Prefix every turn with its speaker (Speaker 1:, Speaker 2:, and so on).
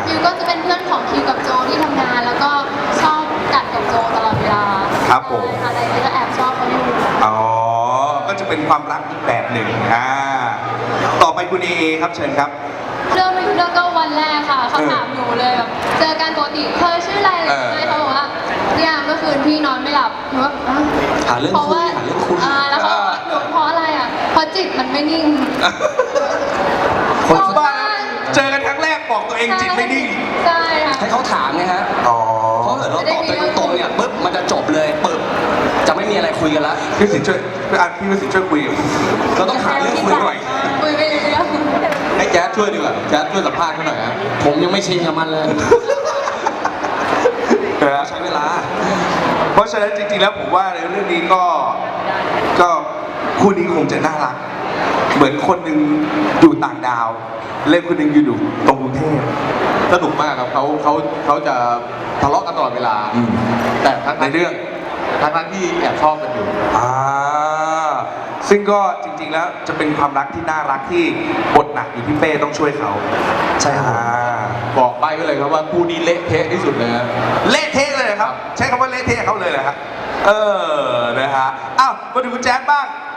Speaker 1: ฟิวก็จะเป็นเพื่อนของคิวกับโจที่ทำงานแล้วก็ชอบกัดกับโจตลอดเวลา
Speaker 2: ครับผม
Speaker 1: อะไรนี้ก็แอบชอบเขาอยู่
Speaker 2: อ๋อ ก็จะเป็นความรักอีกแบบหนึ่งต่อไปคุณเอครับเชิญครับ
Speaker 1: เรื่องไม่รู้เรื่องก็วันแรกค่ะเขาถามหนูเลยแบบเจอกันปกติเธอชื่ออะไรเลยเขาบอกว่าเนี่ยเมื่อคืนพี่นอนไม่หลับหนูว่า
Speaker 3: หาเรื่องคุยหาเรื่องคุย
Speaker 1: แล้วเขาบอกหนูเพราะอะไรอ่ะเพราะจิตมันไม่นิ่ง
Speaker 2: คนบ้าเจอกันครั้งแรกบอกตัวเองจิตไม่นิ่ง
Speaker 1: ใช่ค่ะ
Speaker 3: ให้เขาถามไงฮะ
Speaker 2: อ๋อ
Speaker 3: เพราะเกิดเราตอบตัวตรงๆเนี่ยปุ๊บมันจะจบเลยปึ๊บจะไม่มีอะไรคุยกันละ
Speaker 2: พี่สินช่วยพี่สินช่วยคุยกับ
Speaker 3: เราต้องหาเรื่องคุยหน่อย
Speaker 1: คุยไม่รู้เรื่อง
Speaker 4: ให้แจ๊ดช่วยดีกว่าแจ๊ดช่วยสัมภาษณ์เขาหน่อยฮะผมยังไม่ชินกับมันเลย
Speaker 3: ใช้เวลา
Speaker 2: เพราะฉะนั้นจริงๆแล้วผมว่าในเรื่องนี้ก็คู่นี้คงจะน่ารัก เหมือนคนหนึ่งอยู่ต่างดาว เล่นคนหนึ่งอยู่ตรงกรุงเทพ
Speaker 4: สนุกมากครับเขาจะทะเลาะกันตลอดเวลา แต่ทั้ง
Speaker 2: ในเรื่อง
Speaker 4: ทั้งที่แอบชอบกันอยู่
Speaker 2: ซึ่งก็จริงๆแล้วจะเป็นความรักที่น่ารักที่บทหนักอยู่ที่เป้ต้องช่วยเขา
Speaker 3: ใช่ครับ
Speaker 4: บอกไปก็เลยครับว่าคู่นี้เละเทะที่สุดเลยนะ
Speaker 2: เละเทะเลยครับ ใช้คำว่าเละเทะเขาเลยเหรอครับนะฮะอ้าวมาดูคุณแจ๊ดบ้าง